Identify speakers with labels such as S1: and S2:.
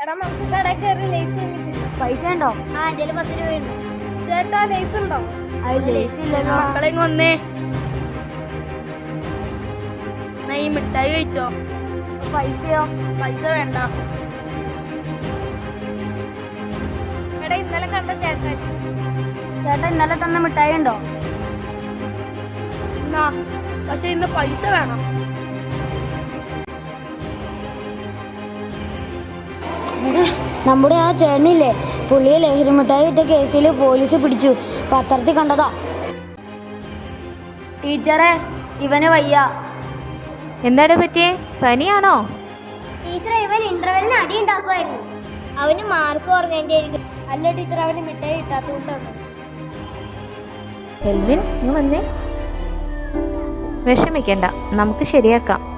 S1: എടാ നമുക്ക് കടയിൽ കയറി ലേസ് വാങ്ങിത്തില്ല.
S2: പൈസ ഉണ്ടോ?
S1: ആ എന്റെ 10 രൂപയുണ്ട്. ചേട്ടാ ലേസ് ഉണ്ടോ?
S2: അത് ലേസ് ഇല്ലല്ലോ.
S3: മക്കളെ വന്നേ, ഈ മിഠായി കഴിച്ചോ.
S2: പൈസയോ?
S3: പൈസ വേണ്ട.
S1: എടാ ഇന്നലെ കണ്ട ചേട്ടൻ.
S2: ചേട്ടാ ഇന്നലെ തന്ന മിഠായി ഉണ്ടോ?
S3: എന്നാ പക്ഷെ ഇന്ന് പൈസ വേണം.
S2: നമ്മുടെ ആ ചേട്ടനില്ലേ, പുള്ളിയെ ലഹരി മിഠായി ഇട്ട കേസിൽ പോലീസ് പിടിച്ചു. പത്രത്തിൽ കണ്ടതാ. ടീച്ചറെ, ഇവന് വയ്യ.
S4: എന്താണ് പറ്റിയേ? പനിയാണോ?
S1: ടീച്ചർ ഇവൻ ഇന്റർവെല്ലിന് അടി ഉണ്ടാക്കുമായിരുന്നു. അവന് മാർക്ക് കുറഞ്ഞായിരിക്കും. അല്ല ടീച്ചർ, അവന് മിഠായി കിട്ടാത്തതുകൊണ്ടാണ്.
S4: എൽവിൻ, നീ വന്നേ. വിഷമിക്കണ്ട, നമുക്ക് ശരിയാക്കാം.